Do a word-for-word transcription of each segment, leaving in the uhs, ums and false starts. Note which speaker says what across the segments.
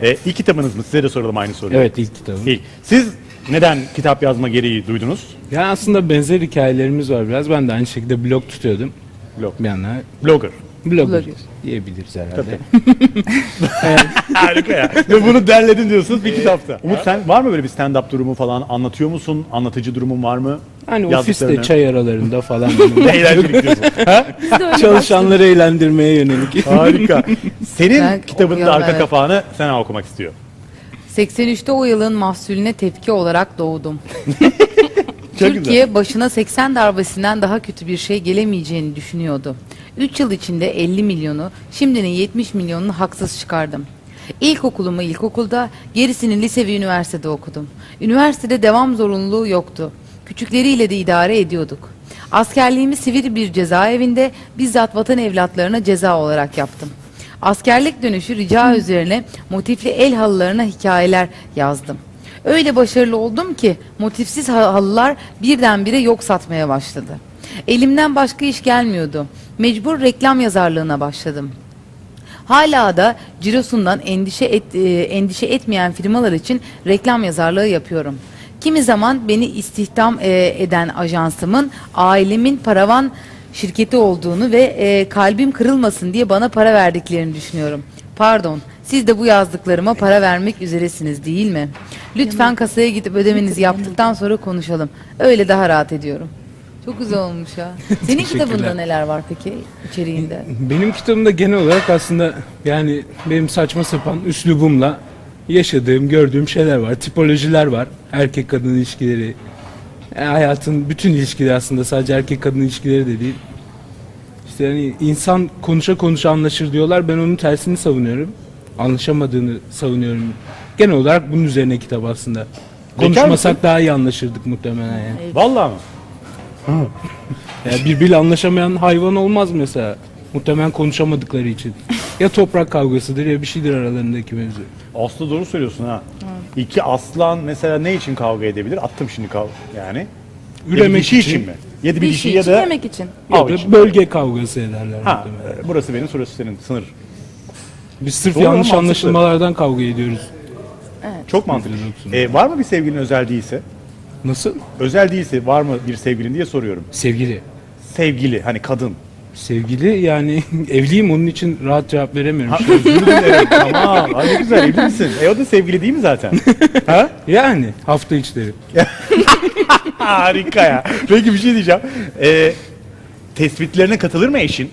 Speaker 1: E, ilk kitabınız mı? Size de soralım aynı soruyu.
Speaker 2: Evet, ilk kitabım.
Speaker 1: İlk. Siz neden kitap yazma gereği duydunuz?
Speaker 2: Ya aslında benzer hikayelerimiz var biraz. Ben de aynı şekilde blog tutuyordum.
Speaker 1: Blog.
Speaker 2: Bir yana
Speaker 1: Blogger.
Speaker 2: blogger
Speaker 3: Blogger.
Speaker 2: diyebiliriz herhalde.
Speaker 1: Tabii. Harika ya. Ve bunu derledin diyorsunuz bir kitapta. Umut sen var mı böyle bir stand-up durumu falan? Anlatıyor musun? Anlatıcı durumun var mı?
Speaker 2: Hani
Speaker 1: Yazdıklarını.
Speaker 2: ofiste çay aralarında falan
Speaker 1: Eğlencelik diyorsun. Ha?
Speaker 3: Biz de öyle
Speaker 2: çalışanları eğlendirmeye yönelik.
Speaker 1: Harika. Senin
Speaker 3: Ben
Speaker 1: kitabının da
Speaker 3: okuyorum,
Speaker 1: arka
Speaker 3: evet.
Speaker 1: kapağını Sena okumak istiyor.
Speaker 3: seksen üçte o yılın mahsulüne tepki olarak doğdum.
Speaker 1: Çok
Speaker 3: Türkiye
Speaker 1: güzel.
Speaker 3: başına seksen darbesinden daha kötü bir şey gelemeyeceğini düşünüyordu. üç yıl içinde elli milyonu, şimdinin yetmiş milyonunu haksız çıkardım. İlkokulumu ilkokulda, gerisini lise ve üniversitede okudum. Üniversitede devam zorunluluğu yoktu. Küçükleriyle de idare ediyorduk. Askerliğimi sivil bir cezaevinde bizzat vatan evlatlarına ceza olarak yaptım. Askerlik dönüşü rica üzerine motifli el halılarına hikayeler yazdım. Öyle başarılı oldum ki motifsiz halılar birdenbire yok satmaya başladı. Elimden başka iş gelmiyordu. Mecbur reklam yazarlığına başladım. Hala da cirosundan endişe et, e, endişe etmeyen firmalar için reklam yazarlığı yapıyorum. Kimi zaman beni istihdam e, eden ajansımın ailemin paravan şirketi olduğunu ve e, kalbim kırılmasın diye bana para verdiklerini düşünüyorum. Pardon, siz de bu yazdıklarıma para vermek üzeresiniz değil mi? Lütfen kasaya gidip ödemenizi yaptıktan sonra konuşalım. Öyle daha rahat ediyorum. Çok güzel olmuş ya. Senin
Speaker 2: Teşekkürler.
Speaker 3: kitabında neler var peki içeriğinde?
Speaker 2: Benim kitabımda genel olarak aslında yani benim saçma sapan üslubumla yaşadığım, gördüğüm şeyler var. Tipolojiler var. Erkek kadın ilişkileri. Yani hayatın bütün ilişkileri aslında, sadece erkek kadın ilişkileri de değil. İşte yani insan konuşa konuşa anlaşır diyorlar. Ben onun tersini savunuyorum. Anlaşamadığını savunuyorum. Genel olarak bunun üzerine kitap aslında. Konuşmasak daha iyi anlaşırdık muhtemelen yani.
Speaker 1: Vallahi mı?
Speaker 2: Yani birbiriyle anlaşamayan hayvan olmaz mesela. Muhtemelen konuşamadıkları için. Ya toprak kavgasıdır ya bir şeydir aralarındaki mevzu.
Speaker 1: Aslı doğru söylüyorsun ha. İki aslan mesela ne için kavga edebilir? Attım şimdi kav yani.
Speaker 2: Üremek
Speaker 1: Yedi dişi
Speaker 2: için.
Speaker 1: için mi? Yedi bir
Speaker 3: Bir
Speaker 1: dişi
Speaker 3: şey
Speaker 1: ya
Speaker 3: için,
Speaker 1: da
Speaker 3: yemek için.
Speaker 2: Ya
Speaker 1: av
Speaker 2: da
Speaker 1: için.
Speaker 2: bölge kavgası ederler
Speaker 1: Ha,
Speaker 2: muhtemelen.
Speaker 1: e, burası benim, burası senin sınır.
Speaker 2: Biz sırf
Speaker 1: Doğru,
Speaker 2: yanlış
Speaker 1: mantıklı.
Speaker 2: anlaşılmalardan kavga ediyoruz.
Speaker 1: Çok mantıklı.
Speaker 2: Mantıklı.
Speaker 1: E, var mı bir sevgilin özel değilse?
Speaker 2: Nasıl?
Speaker 1: Özel değilse var mı bir sevgilin diye soruyorum.
Speaker 2: Sevgili.
Speaker 1: Sevgili hani kadın.
Speaker 2: Sevgili yani evliyim, onun için rahat cevap veremiyorum.
Speaker 1: Ha, özür dilerim. Tamam. Ay ne güzel, evli misin? E o da sevgili değil mi zaten? Ha?
Speaker 2: Yani hafta içleri.
Speaker 1: Harika ya. Peki bir şey diyeceğim. E, tespitlerine katılır mı eşin?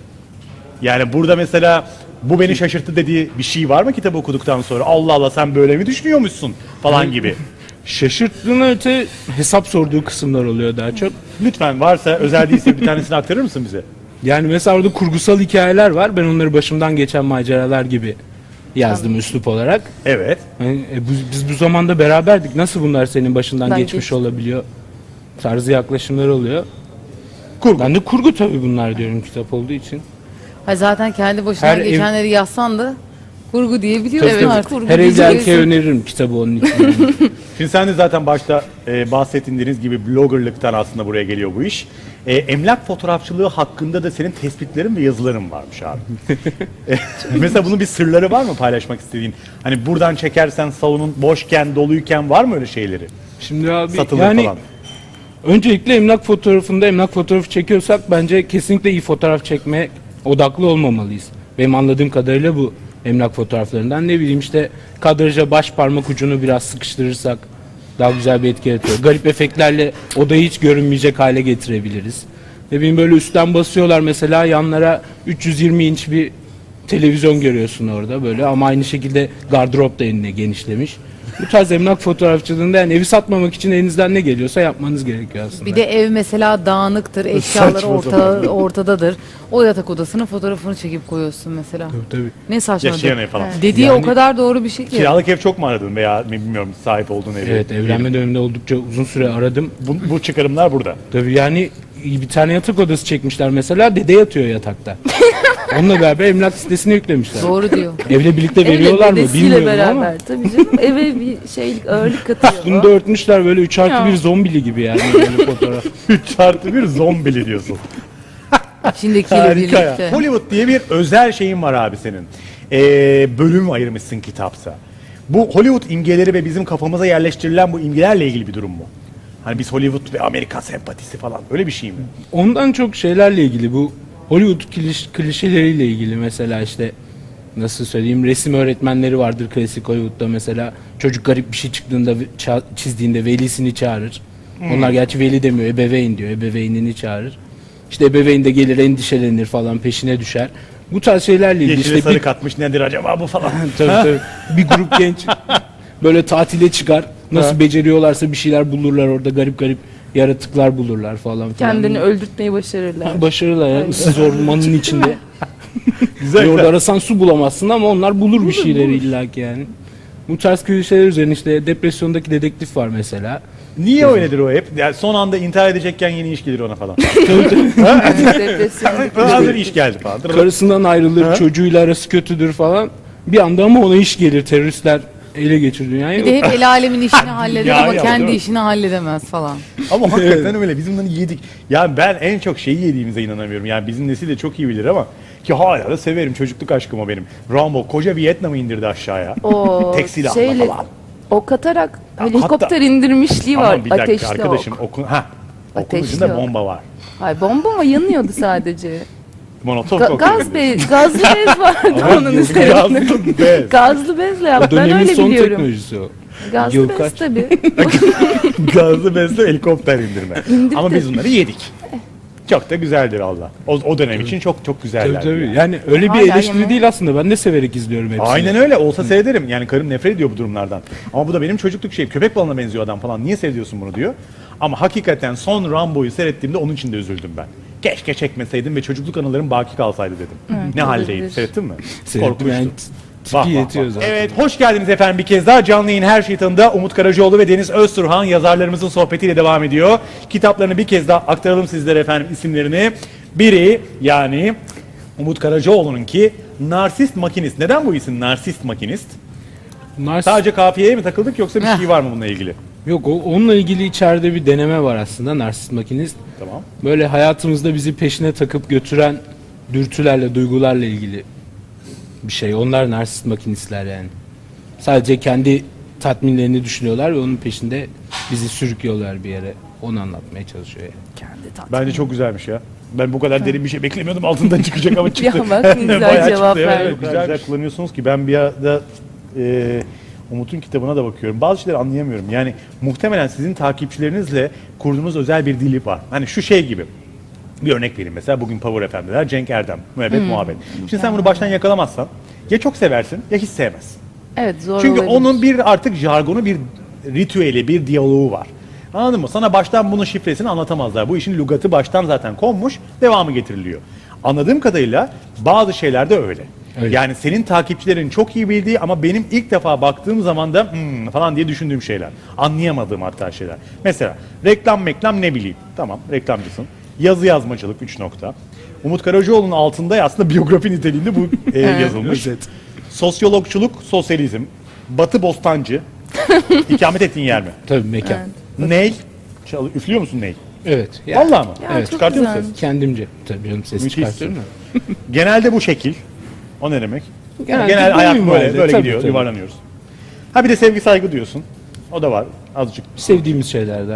Speaker 1: Yani burada mesela bu beni şaşırttı dediği bir şey var mı kitabı okuduktan sonra? Allah Allah sen böyle mi düşünüyormuşsun falan gibi.
Speaker 2: Şaşırttığına öte hesap sorduğu kısımlar oluyor daha çok.
Speaker 1: Lütfen varsa özel değilse bir tanesini aktarır mısın bize?
Speaker 2: Yani mesela orada kurgusal hikayeler var. Ben onları başımdan geçen maceralar gibi yazdım üslup olarak.
Speaker 1: Evet.
Speaker 2: Yani, e, bu- biz bu zamanda beraberdik. Nasıl bunlar senin başından
Speaker 3: Ben
Speaker 2: geçmiş
Speaker 3: geçtim.
Speaker 2: olabiliyor? Tarzı yaklaşımlar oluyor.
Speaker 1: Kurgu.
Speaker 2: Ben de kurgu tabii bunlar diyorum kitap olduğu için.
Speaker 3: Ha zaten kendi başına
Speaker 2: Her ev-
Speaker 3: geçenleri yazsan da kurgu diyebiliyorsun
Speaker 2: Tabii, tabii.
Speaker 3: artık. Kurgu
Speaker 2: Her evli
Speaker 3: diyeceksin.
Speaker 2: erkeğe öneririm kitabı onun için. yani.
Speaker 1: Şimdi sen de zaten başta e, bahsettiğiniz gibi bloggerlıktan aslında buraya geliyor bu iş. E, emlak fotoğrafçılığı hakkında da senin tespitlerin ve yazıların varmış abi. E, mesela bunun bir sırları var mı paylaşmak istediğin? Hani buradan çekersen salonun boşken, doluyken var mı öyle şeyleri?
Speaker 2: Şimdi abi
Speaker 1: Satılır
Speaker 2: yani
Speaker 1: falan.
Speaker 2: öncelikle emlak fotoğrafında emlak fotoğrafı çekiyorsak bence kesinlikle iyi fotoğraf çekmeye odaklı olmamalıyız. Benim anladığım kadarıyla bu emlak fotoğraflarından. Ne bileyim işte kadraja baş parmak ucunu biraz sıkıştırırsak daha güzel bir etki yaratıyor. Garip efektlerle odayı hiç görünmeyecek hale getirebiliriz. Ne bileyim böyle üstten basıyorlar mesela, yanlara üç yüz yirmi inç bir televizyon görüyorsun orada böyle, ama aynı şekilde gardırop da eline genişlemiş. Bu tarz emlak fotoğrafçılığında yani evi satmamak için elinizden ne geliyorsa yapmanız gerekiyor aslında.
Speaker 3: Bir de ev mesela dağınıktır, eşyaları
Speaker 1: Saçma
Speaker 3: orta,
Speaker 1: sapan.
Speaker 3: ortadadır. O yatak odasının fotoğrafını çekip koyuyorsun mesela.
Speaker 2: Tabii, tabii.
Speaker 3: Ne saçma.
Speaker 1: Yaşayan ev falan.
Speaker 3: Dediği
Speaker 2: Yani-
Speaker 3: o kadar doğru bir şey ki.
Speaker 1: Kiralık ev çok mu aradın veya bilmiyorum sahip olduğun evi?
Speaker 2: Evet, evlenme döneminde oldukça uzun süre aradım.
Speaker 1: Bu, bu çıkarımlar burada.
Speaker 2: Tabii yani bir tane yatak odası çekmişler mesela, dede yatıyor yatakta. Onunla beraber emlak sitesine yüklemişler.
Speaker 3: Doğru diyor.
Speaker 2: Evle birlikte veriyorlar mı
Speaker 4: dedesiyle
Speaker 2: bilmiyorum
Speaker 4: beraber.
Speaker 2: ama
Speaker 4: Tabii canım, eve bir şeylik ağırlık katıyor.
Speaker 2: bunu da örtmüşler böyle üç artı
Speaker 4: Ya.
Speaker 2: bir zombili gibi yani böyle fotoğraf.
Speaker 1: üç artı bir zombili diyorsun.
Speaker 3: İçindekiyle
Speaker 1: Harika ya.
Speaker 3: birlikte.
Speaker 1: Hollywood diye bir özel şeyin var abi senin. e, bölüm ayırmışsın kitapta. Bu Hollywood imgeleri ve bizim kafamıza yerleştirilen bu imgelerle ilgili bir durum mu? Hani biz Hollywood ve Amerika sempatisi falan öyle bir şey mi?
Speaker 2: Ondan çok şeylerle ilgili, bu Hollywood kliş, klişeleriyle ilgili. Mesela işte nasıl söyleyeyim, resim öğretmenleri vardır klasik Hollywood'da mesela. Çocuk garip bir şey çıktığında, ça- çizdiğinde velisini çağırır. Onlar gerçi veli demiyor, ebeveyn diyor. Ebeveynini çağırır. İşte ebeveyn de gelir, endişelenir falan, peşine düşer. Bu tarz şeylerle ilgili.
Speaker 1: Yeşile
Speaker 2: işte
Speaker 1: sarı
Speaker 2: bir,
Speaker 1: katmış nedir acaba bu falan.
Speaker 2: tabii, tabii. Bir grup genç böyle tatile çıkar. Nasıl beceriyorlarsa bir şeyler bulurlar orada, garip garip yaratıklar bulurlar falan filan.
Speaker 4: Kendini öldürtmeyi başarırlar.
Speaker 2: Başarılar ya, ıssız ormanın içinde.
Speaker 1: Güzel.
Speaker 2: Ve orada arasan su bulamazsın ama onlar bulur bir şeyleri illaki yani. Bu tarz klişeler üzerine işte depresyondaki dedektif var mesela.
Speaker 1: Niye öyledir o hep? Yani son anda intihar edecekken yeni iş gelir ona falan.
Speaker 4: Depresyon.
Speaker 1: Hazır iş geldi falan.
Speaker 2: Karısından ayrılır,
Speaker 1: Ha?
Speaker 2: çocuğuyla arası kötüdür falan. Bir anda ama ona iş gelir, teröristler ele geçir dünyayı.
Speaker 3: Bir de hep el alemin işini halleder
Speaker 1: Ya,
Speaker 3: ama
Speaker 1: ya,
Speaker 3: kendi
Speaker 1: değil mi?
Speaker 3: işini halledemez falan.
Speaker 1: Ama hakikaten öyle. Biz bunları yedik. Yani ben en çok şeyi yediğimize inanamıyorum. Yani bizim nesil de çok iyi bilir ama ki hala da severim. Çocukluk aşkım o benim. Rambo koca Vietnam'ı indirdi aşağıya.
Speaker 4: O
Speaker 1: Tek silahla
Speaker 4: şeyle,
Speaker 1: falan.
Speaker 4: o katarak
Speaker 1: Ya
Speaker 4: helikopter
Speaker 1: hatta-
Speaker 4: indirmişliği var.
Speaker 1: Ama bir dakika
Speaker 4: Ateşli
Speaker 1: arkadaşım.
Speaker 4: ok.
Speaker 1: Okun, ha. Okun
Speaker 4: Ateşli
Speaker 1: ucunda
Speaker 4: ok.
Speaker 1: bomba var.
Speaker 4: Hayır, bomba mı, yanıyordu sadece.
Speaker 1: Monoton
Speaker 4: Ga-
Speaker 1: kokteyl
Speaker 4: gaz
Speaker 1: dedi.
Speaker 4: bez, gazlı bez vardı
Speaker 1: Ama
Speaker 4: onun
Speaker 1: yok,
Speaker 4: üzerinde.
Speaker 1: gazlı bez.
Speaker 4: Gazlı bezle
Speaker 2: O
Speaker 4: yaptı. Ben
Speaker 2: dönemin
Speaker 4: öyle
Speaker 2: son
Speaker 4: biliyorum.
Speaker 2: teknolojisi o.
Speaker 4: Gazlı
Speaker 2: Yıl
Speaker 4: bez
Speaker 2: kaç?
Speaker 4: tabii.
Speaker 1: Gazlı bezle helikopter indirme.
Speaker 4: İndirdi.
Speaker 1: Ama biz bunları yedik. Çok da güzeldi valla. O, o dönem için çok çok
Speaker 2: Tabii
Speaker 1: güzeller.
Speaker 2: tabii. Yani öyle bir
Speaker 4: Hala
Speaker 2: eleştiri
Speaker 4: yeme-
Speaker 2: değil aslında. Ben de severek izliyorum hepsini.
Speaker 1: Aynen öyle. Olsa seyrederim. Yani karım nefret ediyor bu durumlardan. Ama bu da benim çocukluk şeyim. Köpek balığına benziyor adam falan. Niye seviyorsun bunu diyor. Ama hakikaten son Rambo'yu seyrettiğimde onun için de üzüldüm ben. Keşke çekmeseydim ve çocukluk anılarım baki kalsaydı dedim. ne haldeydi?
Speaker 4: olabilir.
Speaker 1: Seyrettin mi?
Speaker 2: Seyrettim yani,
Speaker 1: Korkunçtu.
Speaker 2: tipi
Speaker 1: Vah, vah,
Speaker 2: yetiyor
Speaker 1: vah.
Speaker 2: zaten.
Speaker 1: Evet, hoş geldiniz efendim bir kez daha. Canlı yayın Her Şey Tanı'da Umut Karacaoğlu ve Deniz Özturhan yazarlarımızın sohbetiyle devam ediyor. Kitaplarını bir kez daha aktaralım sizlere efendim isimlerini. Biri yani Umut Karacaoğlu'nun ki Narsist Makinist. Neden bu isim Narsist Makinist?
Speaker 2: Bunlar
Speaker 1: Sadece kafiyeye mi takıldık yoksa bir
Speaker 3: Heh.
Speaker 1: şey var mı bununla ilgili?
Speaker 2: Yok, o, onunla ilgili içeride bir deneme var aslında, narsist makinist.
Speaker 1: Tamam.
Speaker 2: Böyle hayatımızda bizi peşine takıp götüren dürtülerle, duygularla ilgili bir şey. Onlar narsist makinistler yani. Sadece kendi tatminlerini düşünüyorlar ve onun peşinde bizi sürüklüyorlar bir yere. Onu anlatmaya çalışıyor yani.
Speaker 4: Kendi tat.
Speaker 1: Bence çok güzelmiş ya. Ben bu kadar derin bir şey beklemiyordum. Altından çıkacak ama çıktı.
Speaker 4: Ya bak ne güzel
Speaker 1: Bayağı
Speaker 4: cevap
Speaker 1: çıktı.
Speaker 4: verdi.
Speaker 1: Evet, güzel, güzel kullanıyorsunuz ki ben bir arada e, Umut'un kitabına da bakıyorum. Bazı şeyleri anlayamıyorum. Yani muhtemelen sizin takipçilerinizle kurduğunuz özel bir dili var. Hani şu şey gibi. Bir örnek vereyim mesela bugün Power F M'deler Cenk Erdem, müebbet muhabbet. Şimdi sen bunu baştan yakalamazsan ya çok seversin ya hiç sevmezsin.
Speaker 4: Evet, zor
Speaker 1: Çünkü
Speaker 4: olabilir.
Speaker 1: onun bir artık jargonu, bir ritüeli, bir diyaloğu var. Anladın mı? Sana baştan bunun şifresini anlatamazlar. Bu işin lügatı baştan zaten konmuş, devamı getiriliyor. Anladığım kadarıyla bazı şeyler de öyle.
Speaker 2: Öyle.
Speaker 1: Yani senin takipçilerin çok iyi bildiği ama benim ilk defa baktığım zaman da hmm falan diye düşündüğüm şeyler. Anlayamadığım hatta şeyler. Mesela reklam meklam ne bileyim. Tamam, reklamcısın. Yazı yazmacılık üç nokta. Umut Karacaoğlu'nun altında aslında biyografi niteliğinde bu e, yazılmış.
Speaker 2: Evet.
Speaker 1: Sosyologçuluk, sosyalizm, Batı Bostancı, ikamet ettiğin yer mi?
Speaker 2: Tabii mekan. Evet.
Speaker 1: Ney? Çal- üflüyor musun ney?
Speaker 2: ya,
Speaker 1: Vallahi mı?
Speaker 4: Ya,
Speaker 1: Evet.
Speaker 4: çok
Speaker 1: Çıkartıyor musun
Speaker 4: güzel.
Speaker 1: ses?
Speaker 2: kendimce. Tabii canım, ses
Speaker 1: Müthişsin.
Speaker 2: çıkartıyorum da.
Speaker 1: Genelde bu şekil. O ne demek?
Speaker 2: Genelde
Speaker 1: Genel
Speaker 2: bu
Speaker 1: hayat
Speaker 2: minvalde,
Speaker 1: böyle, böyle
Speaker 2: tabii,
Speaker 1: gidiyor,
Speaker 2: tabii.
Speaker 1: yuvarlanıyoruz. Ha bir de sevgi saygı diyorsun. O da var azıcık.
Speaker 2: Sevdiğimiz şeylerden.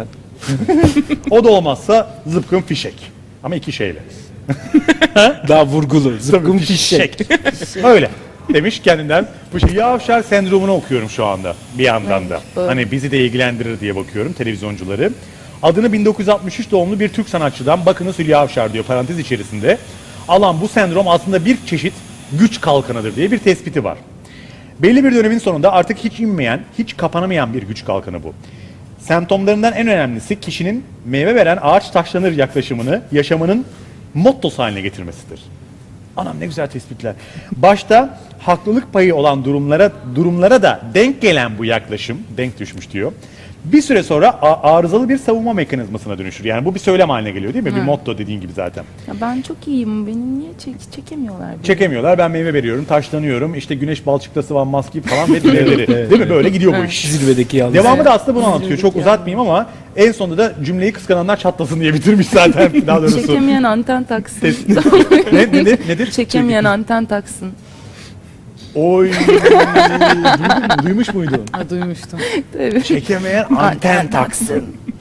Speaker 1: O da olmazsa zıpkın fişek. Ama iki şeyle.
Speaker 2: Daha vurgulu. Zıpkın fişek.
Speaker 1: Öyle. Demiş kendinden. Bu şey Yavşar sendromunu okuyorum şu anda bir yandan da.
Speaker 4: doğru.
Speaker 1: Hani bizi de ilgilendirir diye bakıyorum televizyoncuları. Adını bin dokuz yüz altmış üç doğumlu bir Türk sanatçıdan bakınız Hülya Avşar diyor parantez içerisinde. Alan bu sendrom aslında bir çeşit güç kalkanıdır diye bir tespiti var. Belli bir dönemin sonunda artık hiç inmeyen, hiç kapanamayan bir güç kalkanı bu. Semptomlarından en önemlisi kişinin meyve veren ağaç taşlanır yaklaşımını yaşamının mottosu haline getirmesidir. Anam ne güzel tespitler. Başta haklılık payı olan durumlara durumlara da denk gelen bu yaklaşım, denk düşmüş diyor. Bir süre sonra a- arızalı bir savunma mekanizmasına dönüşür. Yani bu bir söylem haline geliyor değil mi? Bir motto dediğin gibi zaten.
Speaker 4: Ya ben çok iyiyim. Beni niye çek çekemiyorlar? beni?
Speaker 1: Çekemiyorlar. Ben meyve veriyorum, taşlanıyorum. İşte güneş balçıkta sıvanmaz gibi falan ve diğerleri. Değil mi? Böyle gidiyor bu iş.
Speaker 2: Zirvedeki yalnız.
Speaker 1: Devamı da aslında bunu anlatıyor. Çok uzatmayayım ama en sonunda da cümleyi kıskananlar çatlasın diye bitirmiş zaten. Daha doğrusu.
Speaker 4: Çekemeyen anten taksın.
Speaker 1: ne, nedir? nedir?
Speaker 4: Çekemeyen anten taksın.
Speaker 1: Oy. Duydun mu? Duymuş muydun?
Speaker 3: Ha, duymuştum.
Speaker 4: Tabii.
Speaker 1: Çekemeyen anten taksın.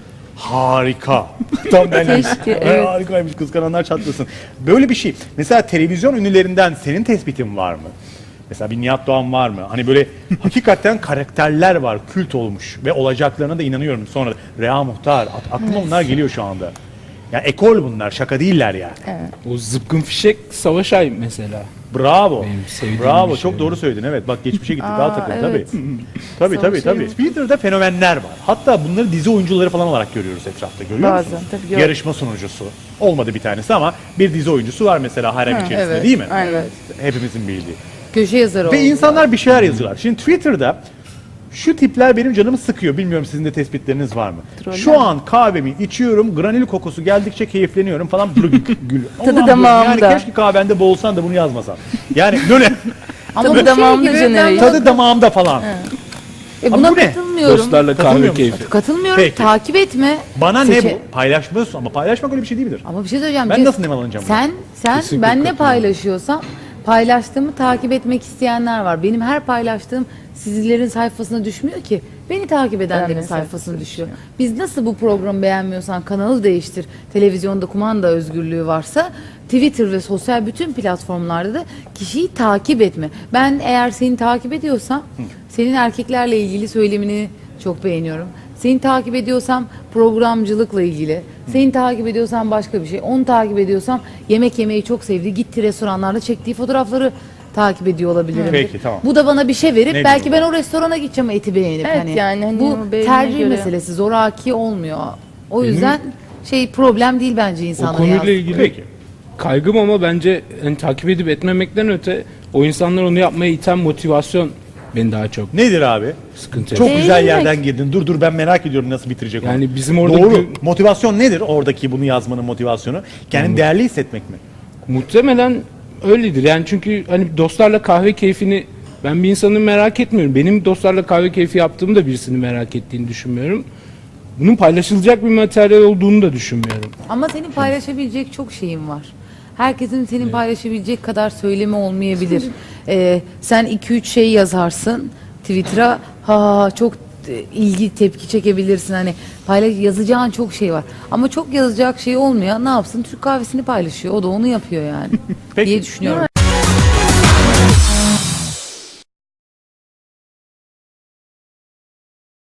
Speaker 1: Harika. Tam ben.
Speaker 4: Keşke,
Speaker 1: Ay,
Speaker 4: evet.
Speaker 1: Harikaymış, kıskananlar çatlasın. Böyle bir şey. Mesela televizyon ünlülerinden senin tespitin var mı? Mesela bir Nihat Doğan var mı? Hani böyle hakikaten karakterler var, kült olmuş ve olacaklarına da inanıyorum sonra. Rea Muhtar, at- aklıma onlar geliyor şu anda. Ya ekol bunlar, şaka değiller yani.
Speaker 2: O zıpkın fişek Savaş Ay mesela.
Speaker 1: Bravo.
Speaker 2: Benim sevdiğim
Speaker 1: Bravo.
Speaker 2: bir şey
Speaker 1: Çok
Speaker 2: o.
Speaker 1: doğru söyledin. Evet. Bak geçmişe gittik.
Speaker 4: Aa,
Speaker 1: Daha takıl.
Speaker 4: evet.
Speaker 1: Tabii. Tabii tabii
Speaker 4: Savaş
Speaker 1: tabii.
Speaker 4: Ayı.
Speaker 1: Twitter'da fenomenler var. Hatta bunları dizi oyuncuları falan olarak görüyoruz etrafta. Görüyor
Speaker 4: Bazen,
Speaker 1: musunuz?
Speaker 4: tabii gör-
Speaker 1: Yarışma sunucusu. Olmadı bir tanesi ama bir dizi oyuncusu var mesela harem içerisinde
Speaker 3: evet.
Speaker 1: değil mi?
Speaker 4: Aynen.
Speaker 1: Hepimizin bildiği.
Speaker 3: Köşe yazarı
Speaker 1: Ve
Speaker 3: oldu.
Speaker 1: insanlar bir şeyler yazıyorlar. Şimdi Twitter'da şu tipler benim canımı sıkıyor. Bilmiyorum sizin de tespitleriniz var mı?
Speaker 4: Troller.
Speaker 1: Şu an kahvemi içiyorum, granül kokusu geldikçe keyifleniyorum falan. Gül.
Speaker 4: Tadı
Speaker 1: Allah'ım,
Speaker 4: damağımda.
Speaker 1: Yani keşke kahvende boğulsan da bunu yazmasan. Yani böyle
Speaker 3: Ama
Speaker 4: Tadı
Speaker 3: bu
Speaker 4: damağımda
Speaker 3: şey gibi,
Speaker 4: Cenevre.
Speaker 3: ben
Speaker 1: tadı damağımda falan.
Speaker 3: E
Speaker 1: Ama
Speaker 3: buna
Speaker 1: bu ne?
Speaker 3: katılmıyorum.
Speaker 2: Dostlarla
Speaker 1: Katılmıyor
Speaker 2: kahve
Speaker 1: musun?
Speaker 2: keyfi.
Speaker 3: Katılmıyorum.
Speaker 1: Peki.
Speaker 3: Takip etme.
Speaker 1: Bana ne
Speaker 3: Seçe-
Speaker 1: bu? Paylaşmıyorsun ama paylaşmak öyle bir şey değil midir?
Speaker 3: Ama bir şey söyleyeceğim.
Speaker 1: Ben
Speaker 3: Cez-
Speaker 1: nasıl nemalanacağım bunu?
Speaker 3: Sen sen
Speaker 2: Kesinlikle
Speaker 3: ben ne
Speaker 2: katılıyorum.
Speaker 3: paylaşıyorsam paylaştığımı takip etmek isteyenler var. Benim her paylaştığım sizlerin sayfasına düşmüyor ki. Beni takip edenlerin
Speaker 4: Beğenmeyen
Speaker 3: sayfasına
Speaker 4: sayfasına
Speaker 3: düşüyor. Biz nasıl bu programı beğenmiyorsan kanalı değiştir. Televizyonda kumanda özgürlüğü varsa Twitter ve sosyal bütün platformlarda da kişiyi takip etme. Ben eğer seni takip ediyorsam senin erkeklerle ilgili söylemini çok beğeniyorum. Seni takip ediyorsam programcılıkla ilgili. Seni takip ediyorsam başka bir şey. Onu takip ediyorsam yemek yemeyi çok sevdiği, gitti restoranlarda çektiği fotoğrafları takip ediyor olabilirim.
Speaker 1: Peki, tamam.
Speaker 3: Bu da bana bir şey verip
Speaker 1: Ne
Speaker 3: belki
Speaker 1: bileyim
Speaker 3: ben o restorana gideceğim eti beğenip
Speaker 4: Evet,
Speaker 3: hani.
Speaker 4: yani hani
Speaker 3: bu
Speaker 4: o beğenine
Speaker 3: tercih
Speaker 4: göre.
Speaker 3: meselesi zoraki olmuyor. O yüzden şey problem değil bence
Speaker 2: O
Speaker 3: insanlara
Speaker 2: konuyla
Speaker 3: yazdığı.
Speaker 2: ilgili
Speaker 1: Peki.
Speaker 2: kaygım ama bence hani takip edip etmemekten öte o insanlar onu yapmaya iten motivasyon beni daha çok
Speaker 1: Nedir abi?
Speaker 2: sıkıntı
Speaker 1: Çok
Speaker 2: yapıyor.
Speaker 1: güzel
Speaker 4: Beğenmek.
Speaker 1: yerden girdin. Dur dur ben merak ediyorum nasıl bitirecek onu.
Speaker 2: Yani bizim orada
Speaker 1: Doğru.
Speaker 2: gü-
Speaker 1: Motivasyon nedir oradaki bunu yazmanın motivasyonu? Kendini değerli hissetmek mi?
Speaker 2: Muhtemelen öyledir. Yani çünkü hani dostlarla kahve keyfini ben bir insanı merak etmiyorum. Benim dostlarla kahve keyfi yaptığımı da birisini merak ettiğini düşünmüyorum. Bunun paylaşılacak bir materyal olduğunu da düşünmüyorum.
Speaker 3: Ama senin paylaşabilecek çok şeyin var. Herkesin senin paylaşabilecek kadar söylemi olmayabilir. Ee, sen iki üç şey yazarsın Twitter'a, ha çok e, ilgi tepki çekebilirsin. Hani paylaş yazacağın çok şey var. Ama çok yazacak şey olmuyor. Ne yapsın? Türk kahvesini paylaşıyor. O da onu yapıyor yani.
Speaker 1: Peki.
Speaker 3: diye düşünüyorum.